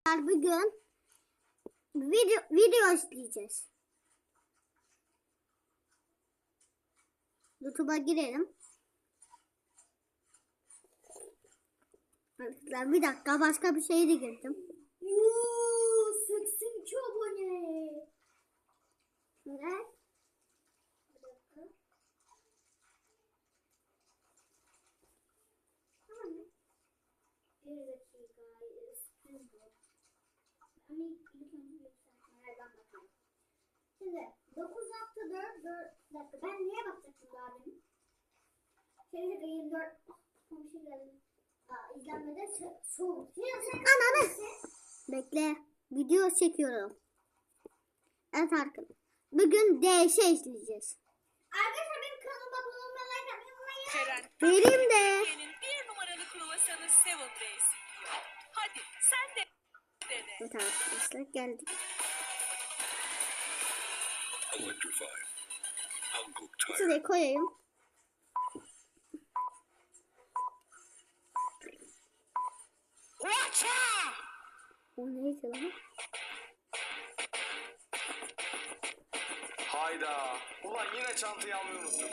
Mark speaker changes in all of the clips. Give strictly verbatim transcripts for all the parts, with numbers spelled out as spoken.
Speaker 1: Bugün video video izleyeceğiz. YouTube'a girelim. Arkadaşlar bir dakika, başka bir şeye de girdim.
Speaker 2: Yuuu seksen iki abone.
Speaker 1: Ne?
Speaker 2: Bir dakika.
Speaker 1: Tamam mı?
Speaker 2: Bir dakika. Sıkıntı bu. Ama ilk önce bir yükseltmelerden bakalım. Şimdi dokuz nokta dört bir dakika, ben niye bakacaktım daha demin? Şey dakika yirmi dört komşu geldi. Aa, izlenmede soğuk.
Speaker 1: Ananı. Bekle. Video çekiyorum. Evet arkadaşlar. Bugün D S izleyeceğiz.
Speaker 2: Arkadaşlar benim kanalıma abone olmayı, like atmayı unutmayın.
Speaker 3: Ceren,
Speaker 1: Vereyim de.
Speaker 3: Türkiye'nin bir numaralı kruvasanı Seven Days yiyor. Hadi sen de dene.
Speaker 1: Evet arkadaşlar geldik.
Speaker 4: Electrify. Hankook Tire.
Speaker 1: Şuraya koyayım. O neydi lan?
Speaker 5: Hayda. Ulan yine çantayı almayı unuttuk.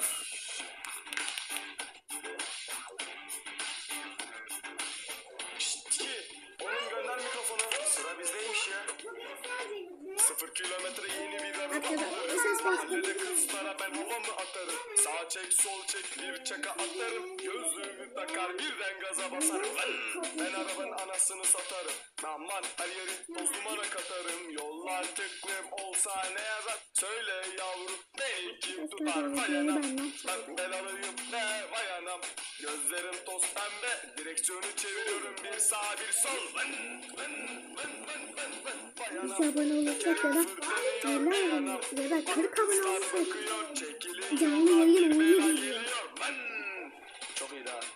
Speaker 5: Şşt ki. Oğlum gönder mikrofonu. Sıra bizdeymiş ya.
Speaker 2: Bugün sadece
Speaker 5: Sıfır kilometre yeni bir araba
Speaker 1: Arkadaşlar,
Speaker 5: alırım.
Speaker 1: ses bastım.
Speaker 5: Mahallede kızlara ben havamı atarım. Sağ çek sol çek bir çaka atarım. Gözlüğümü takar birden gaza basarım. Ben arabanın anasını satarım. Aman her yeri toz numara katarım. Yollar tıklım olsa ne yazar? Söyle yavrum beni kim tutar? Vay anam. Ben belalıyım ne vay anam. Gözlerim toz pembe. Direksiyonu çeviriyorum bir sağ bir sol. Vın vın vın vın vın vın. Vay anam.
Speaker 1: Bize abone olursak ya da elli abone ya da kırk abone olursak canlı yayın oynayabiliriz.
Speaker 5: Çok iyi daha.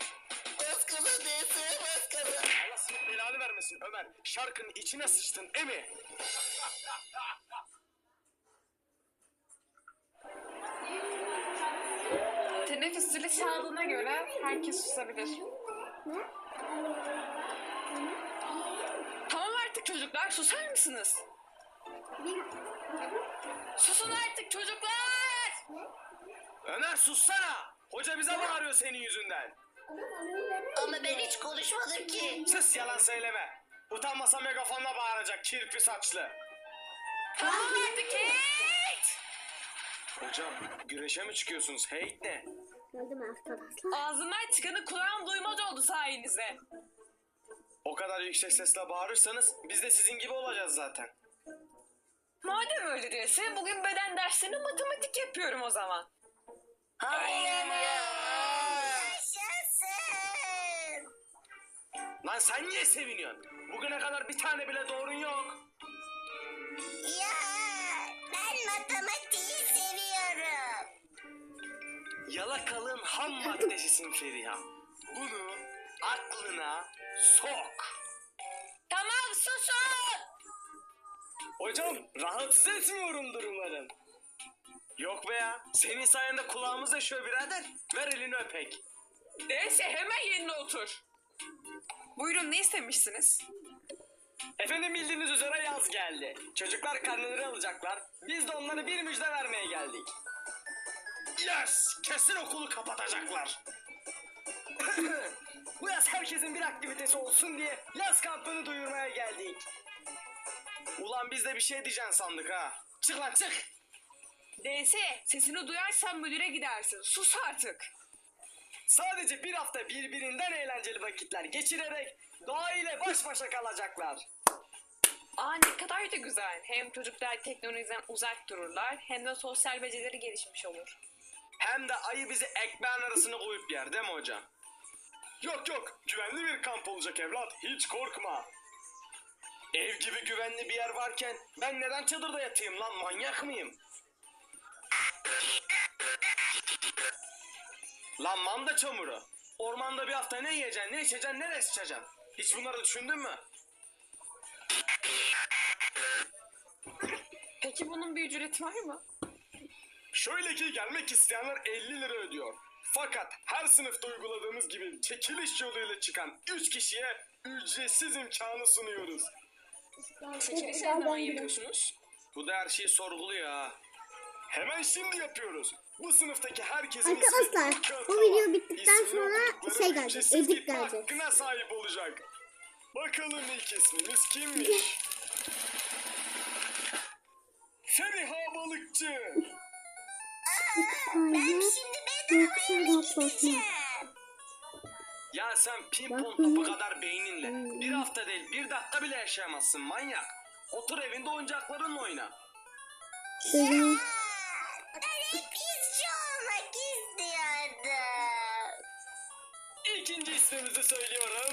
Speaker 5: Allah senin belanı vermesin Ömer. Şarkının içine sıçtın emi.
Speaker 6: Teneffüs zili çaldığına göre herkes susabilir. Tamam artık çocuklar, susar mısınız? Susun artık çocuklar!
Speaker 5: Ömer sussana. Hoca bize bağırıyor senin yüzünden.
Speaker 7: Ama ben hiç konuşmadım ki.
Speaker 5: Sus yalan söyleme. Utanmasa megafonla bağıracak kirpi saçlı.
Speaker 6: Tamam artık Kate!
Speaker 5: Hocam güreşe mi çıkıyorsunuz? Hate ne?
Speaker 1: Geldim arkadaşlar.
Speaker 6: Ağzından çıkanı kulağım duymaz oldu sayenizde.
Speaker 5: O kadar yüksek sesle bağırırsanız biz de sizin gibi olacağız zaten.
Speaker 6: Madem öyle değilse bugün beden dersini matematik yapıyorum o zaman.
Speaker 7: Yaşasın.
Speaker 5: Lan sen niye seviniyorsun? Bugüne kadar bir tane bile doğrun yok.
Speaker 7: Ya ben matematiği seviyorum.
Speaker 5: Yalakalığın ham maddesisin Feriha. Bunu aklına sok.
Speaker 6: Tamam susun!
Speaker 5: Hocam rahatsız etmiyorumdur umarım. Yok be ya. Senin sayende kulağımız yaşıyor birader. Ver elini öpek.
Speaker 6: Neyse hemen yerine otur. Buyurun ne istemişsiniz?
Speaker 5: Efendim bildiğiniz üzere yaz geldi. Çocuklar karneleri alacaklar. Biz de onlara bir müjde vermeye geldik. Yes! Kesin okulu kapatacaklar. Bu yaz herkesin bir aktivitesi olsun diye yaz kampını duyurmaya geldik. Ulan biz de bir şey diyeceksin sandık ha. Çık lan çık.
Speaker 6: D S sesini duyarsan müdüre gidersin. Sus artık.
Speaker 5: Sadece bir hafta birbirinden eğlenceli vakitler geçirerek doğa ile baş başa kalacaklar.
Speaker 6: Aa ne kadar da güzel. Hem çocuklar teknolojiden uzak dururlar hem de sosyal becerileri gelişmiş olur.
Speaker 5: Hem de ayı bizi ekmeğin arasına koyup yer değil mi hocam? Yok yok, güvenli bir kamp olacak evlat, hiç korkma. Ev gibi güvenli bir yer varken ben neden çadırda yatayım lan, manyak mıyım? Lan manda çamuru. Ormanda bir hafta ne yiyeceksin, ne içeceksin, nereye sıçacaksın? Hiç bunları düşündün mü?
Speaker 6: Peki bunun bir ücreti var mı?
Speaker 5: Şöyle ki gelmek isteyenler elli lira ödüyor. Fakat her sınıfta uyguladığımız gibi çekiliş yoluyla çıkan üç kişiye ücretsiz imkanı sunuyoruz.
Speaker 6: Çekilişi ne zaman yapıyorsunuz?
Speaker 5: Bu da her şeyi sorguluyor ha. Hemen şimdi yapıyoruz. Bu sınıftaki herkesin
Speaker 1: Arkadaşlar,
Speaker 5: ismi kağıtta
Speaker 1: bu
Speaker 5: var.
Speaker 1: video bittikten
Speaker 5: İsmini
Speaker 1: sonra
Speaker 5: okudukları
Speaker 1: şey gelecek,
Speaker 5: ücretsiz
Speaker 1: edit
Speaker 5: gitme
Speaker 1: gelecek.
Speaker 5: hakkına sahip olacak. Bakalım ilk ismimiz kimmiş? Feriha Balıkçı.
Speaker 7: Ben
Speaker 1: Aynen.
Speaker 7: şimdi bedavaya mı
Speaker 1: Yoksa
Speaker 7: gideceğim?
Speaker 5: Ya sen pimpon
Speaker 1: Bak
Speaker 5: topu
Speaker 1: bunu-
Speaker 5: kadar beyninle bir hafta değil bir dakika bile yaşayamazsın manyak. Otur evinde oyuncaklarınla oyna.
Speaker 1: Benim
Speaker 7: Ben hep izci olmak istiyordum.
Speaker 5: İkinci ismimizi söylüyorum.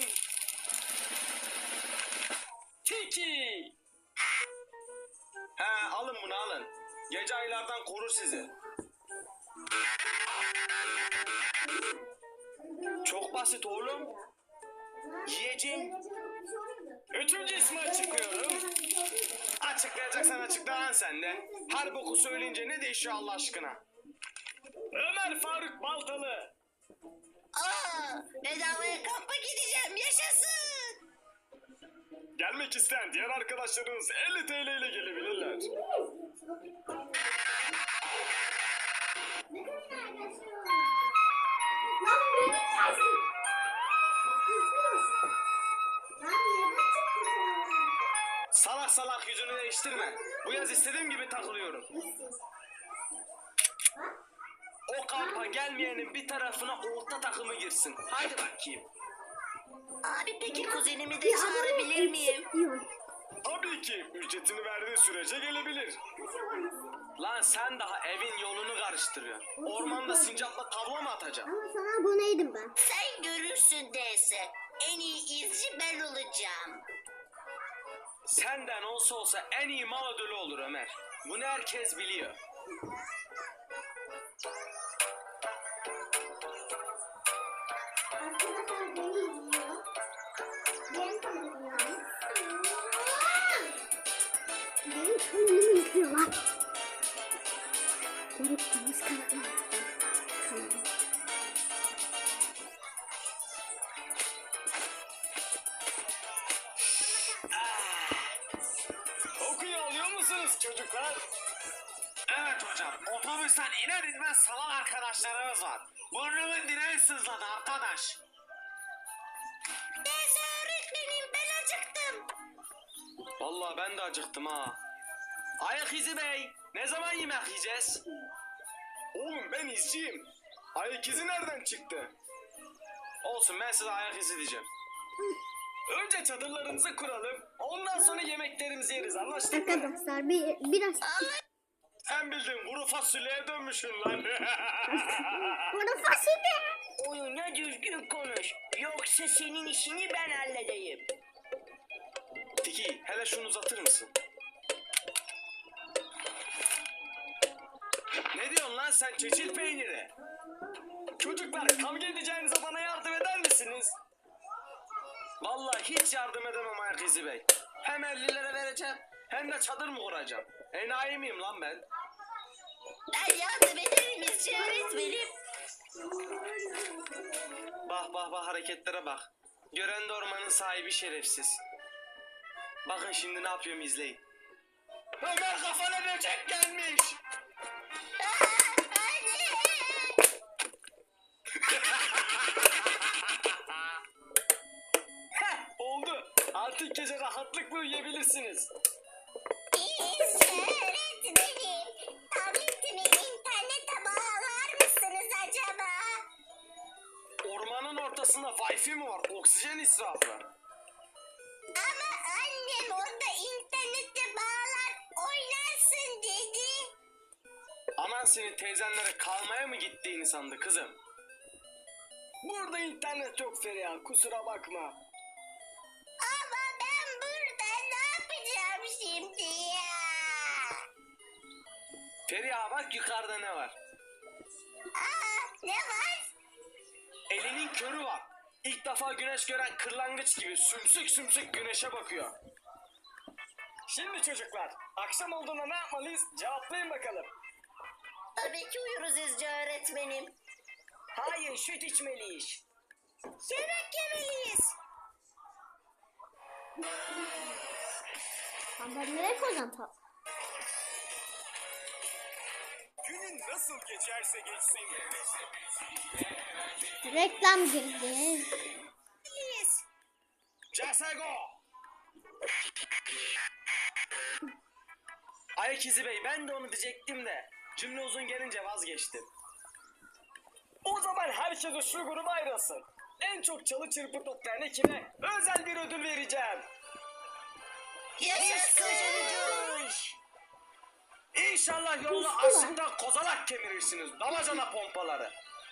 Speaker 5: Tiki. He alın bunu alın. Gece aylardan korur sizi. Çok basit oğlum. Yiyeceğim. Üçüncü ismi açıklıyorum. Açıklayacaksan açıkla lan sen de. Her boku söyleyince ne değişiyor Allah aşkına? Ömer Faruk Baltalı.
Speaker 7: Aa, bedavaya kampa gideceğim. Yaşasın.
Speaker 5: Gelmek isteyen diğer arkadaşlarınız elli T L ile gelebilirler.
Speaker 2: Lan beni gelsin. Lan neden çıktın sen?
Speaker 5: Salak salak yüzünü değiştirme. Bu yaz istediğim gibi takılıyorum. O kampa gelmeyenin bir tarafına orta takımı girsin. Haydi bakayım.
Speaker 7: Abi peki kuzenimi de
Speaker 1: bir abone
Speaker 7: çağırabilir miyim?
Speaker 1: eksik diyor.
Speaker 5: Tabii ki ücretini verdiği sürece gelebilir. Lan sen daha evin yolunu karıştırıyorsun. Ormanda sincapla tavla mı atacaksın?
Speaker 1: Ama sana aboneydim ben.
Speaker 7: Sen görürsün Dese. En iyi izci ben olacağım.
Speaker 5: Senden olsa olsa en iyi mal ödülü olur Ömer. Bunu herkes biliyor.
Speaker 2: Arkadaşlar beni izliyor. Benim kanalım yani.
Speaker 1: Benim kanalımı izliyorlar. Unuttunuz kanalımı. Kanalım.
Speaker 5: Kokuyu alıyor musunuz çocuklar? Evet hocam. Otobüsten iner inmez salan arkadaşlarımız var. Burnumun direği sızladı arkadaş.
Speaker 7: Dese öğretmenim ben acıktım.
Speaker 5: Vallahi ben de acıktım ha. Ayak izi bey. Ne zaman yemek yiyeceğiz? Oğlum ben izciyim. Ayak izi nereden çıktı? Olsun ben size ayak izi diyeceğim. Önce çadırlarımızı kuralım. Ondan sonra yemeklerimizi yeriz anlaştık mı?
Speaker 1: Arkadaşlar bir, biraz
Speaker 5: Sen bildiğin kuru fasulyeye dönmüşsün lan.
Speaker 1: bana fasulye.
Speaker 7: Oyuna düzgün konuş. Yoksa senin işini ben halledeyim.
Speaker 5: Tiki hele şunu uzatır mısın? Ne diyorsun lan sen çeçil peyniri? Çocuklar kavga edeceğinize bana yardım eder misiniz? Vallahi hiç yardım edemem ayak izi bey. Hem elli lira vereceğim hem de çadır mı kuracağım? Enayi miyim lan ben?
Speaker 7: Ben yardım ederim izci öğretmenim.
Speaker 5: Bak bak bak hareketlere bak. Gören de ormanın sahibi şerefsiz. Bakın şimdi ne yapıyorum izleyin. Ömer kafana böcek gelmiş. Heh, oldu. Artık gece rahatlıkla uyuyabilirsiniz.
Speaker 7: İzci öğretmenim. Tabletimi internete bağlar mısınız acaba?
Speaker 5: Ormanın ortasında Wi-Fi mi var? Oksijen israfı.
Speaker 7: Ama annem orada internete bağlar oynarsın dedi.
Speaker 5: Aman senin teyzenlere kalmaya mı gittiğini sandı kızım. Burada internet yok Feriha kusura bakma.
Speaker 7: Ama ben burada ne yapacağım şimdi ya?
Speaker 5: Feriha bak yukarıda ne var?
Speaker 7: Aa, ne var?
Speaker 5: Elinin körü var. İlk defa güneş gören kırlangıç gibi sümsük sümsük güneşe bakıyor. Şimdi çocuklar, akşam olduğunda ne yapmalıyız? Cevaplayın bakalım.
Speaker 7: Tabii ki uyuruz izci öğretmenim.
Speaker 5: Hayır, süt içmeliyiz.
Speaker 7: Yemek yemeliyiz.
Speaker 1: Ben nereye koyacağım top?
Speaker 5: Günün nasıl geçerse geçsin.
Speaker 1: Reklam girdi.
Speaker 5: Casego. Ayak izi bey, ben de onu diyecektim de cümle uzun gelince vazgeçtim. O zaman herkes şu gruba ayrılsın. En çok çalı çırpı toplayan ekibe özel bir ödül vereceğim. İnşallah yolda
Speaker 1: Üstü var.
Speaker 5: açlıktan kozalak kemirirsiniz. Damacana pompaları.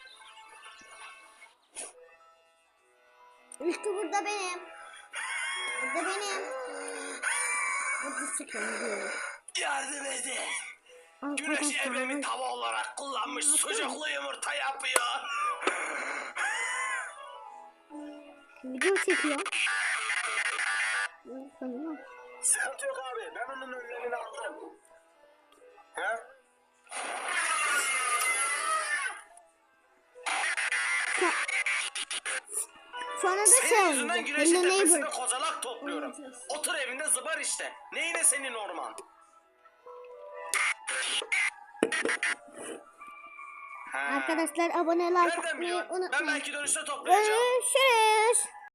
Speaker 1: Üstü burada benim. Burada benim. Burada sıkıyorum.
Speaker 5: Yardım edin. Güneş evrimi tava olarak kullanmış sucuklu yumurta yapıyor.
Speaker 1: Video çekiyor. Sanırım.
Speaker 5: Sıkıntı yok abi. Ben onun önlemini aldım. He?
Speaker 1: Sonra da şey
Speaker 5: Senin
Speaker 1: oldu.
Speaker 5: yüzünden güneşin
Speaker 1: Hello
Speaker 5: tepesine
Speaker 1: neighbor.
Speaker 5: kozalak topluyorum.
Speaker 1: Oynayacağız.
Speaker 5: Otur evinde zıbar işte. Neyine senin orman? Ha.
Speaker 1: Arkadaşlar abone like
Speaker 5: Nereden
Speaker 1: atmayı
Speaker 5: biliyorsun? Ben
Speaker 1: unutmayın.
Speaker 5: belki dönüşte toplayacağım.
Speaker 1: Görüşürüz.